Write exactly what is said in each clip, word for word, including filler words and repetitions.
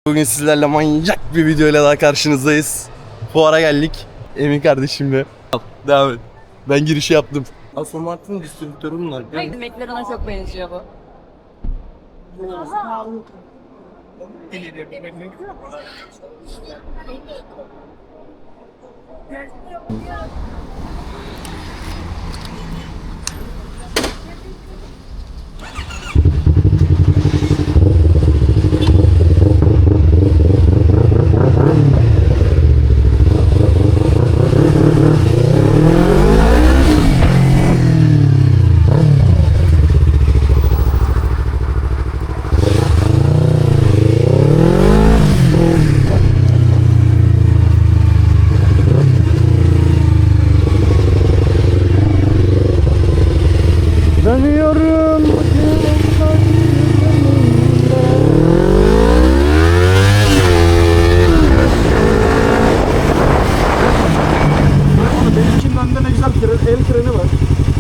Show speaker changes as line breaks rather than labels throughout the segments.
Bugün sizlerle manyak bir videoyla daha karşınızdayız. Fuara geldik. Emin kardeşimle. Devam et. Ben girişi yaptım. Aston Martin distribütörü bunlar.
Hayır, McLaren'a çok benziyor bu.
Dönüyorum.
Benimkinin önünde ne güzel tren, el treni var.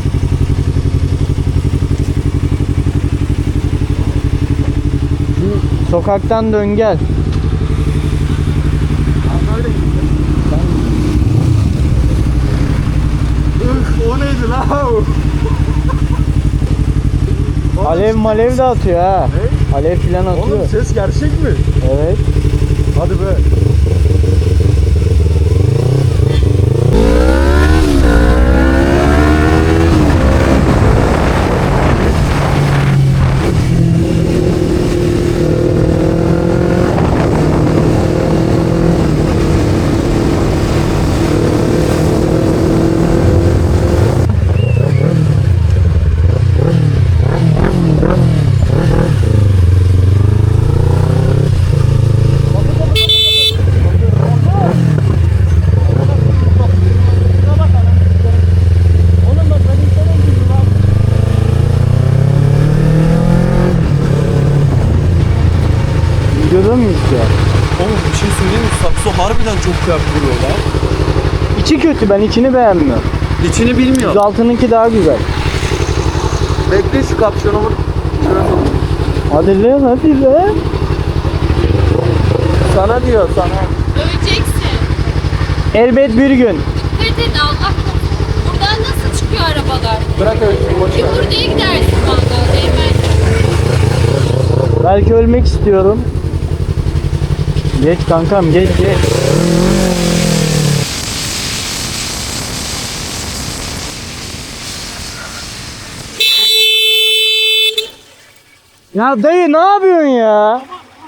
Sokaktan dön gel.
Üf, o neydi la?
Alev malev de atıyor ha.
Ne?
Alev filan atıyor.
Oğlum ses gerçek mi?
Evet.
Hadi be.
Videoda mıyız ya?
Oğlum bir şey söyleyeyim mi? Sakso harbiden çok kıyafet vuruyor lan.
İçi kötü, ben içini beğenmiyorum.
İçini bilmiyor.
yüz altınınki daha güzel.
Bekle şu kapşonu vur.
Hadi lan hadi lan.
Sana diyor sana.
Öleceksin.
Elbet bir gün.
Dikkat et, Allah korusun. Buradan nasıl çıkıyor arabalar?
Bırak öyle boş ver.
Buraya gidersin valla, değmez.
Belki ölmek istiyorum. Geç kankam geç geç. Ya dayı ne yapıyorsun ya?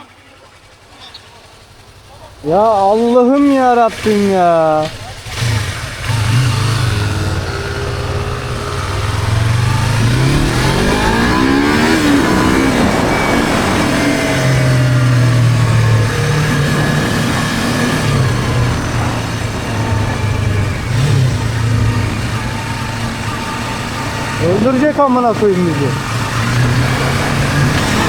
Ya Allah'ım ya Rabbim ya. Öldürecek amına koyayım bizi.